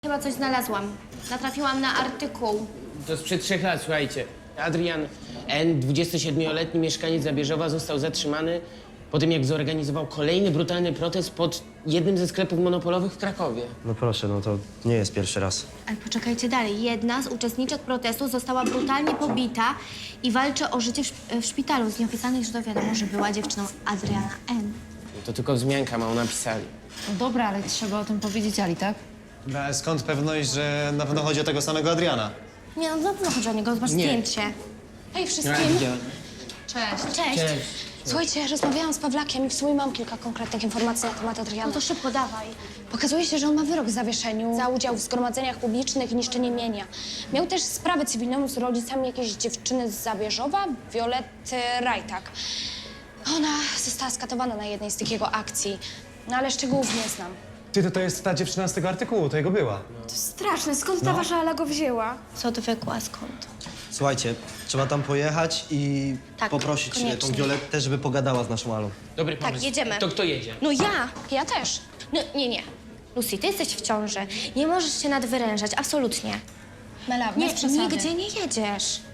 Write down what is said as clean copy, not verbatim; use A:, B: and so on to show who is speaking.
A: Chyba coś znalazłam. Natrafiłam na artykuł.
B: To sprzed 3 lat, słuchajcie. Adrian N., 27-letni mieszkaniec Zabierzowa, został zatrzymany po tym, jak zorganizował kolejny brutalny protest pod jednym ze sklepów monopolowych w Krakowie.
C: No proszę, no to nie jest pierwszy raz.
A: Ale poczekajcie dalej. Jedna z uczestniczek protestu została brutalnie pobita i walczy o życie w szpitalu. Z nieoficjalnych źródeł wiadomo, że była dziewczyną Adriana N.
B: To tylko wzmianka, mało napisali.
D: No dobra, ale trzeba o tym powiedzieć Ali, tak?
E: A skąd pewność, że na pewno chodzi o tego samego Adriana?
A: Nie, no na pewno chodzi o niego. Zobacz
B: Nie.
A: zdjęcie.
F: Hej wszystkim!
D: Cześć.
A: Cześć.
F: Słuchajcie, rozmawiałam z Pawlakiem i w sumie mam kilka konkretnych informacji na temat Adriana.
A: No to szybko, dawaj.
F: Okazuje się, że on ma wyrok w zawieszeniu za udział w zgromadzeniach publicznych i niszczenie mienia. Miał też sprawę cywilną z rodzicami jakiejś dziewczyny z Zabierzowa, Violetty Rajtak. Ona została skatowana na jednej z tych jego akcji, no ale szczegółów nie znam.
E: Ty, to jest ta dziewczyna z tego artykułu, to jego była.
G: Straszne, skąd ta wasza Ala go wzięła?
A: Co odwykła, skąd?
C: Słuchajcie, trzeba tam pojechać i
A: Tak,
C: poprosić
A: koniecznie.
C: tą Violettę, żeby pogadała z naszą Alą.
B: Dobry pomysł.
A: Tak, jedziemy.
B: To kto jedzie?
A: No ja.
F: Ja też.
A: No nie. Lucy, ty jesteś w ciąży. Nie możesz się nadwyrężać, absolutnie.
F: Mela,
A: Nie,
F: bez przesady.
A: nigdzie nie jedziesz.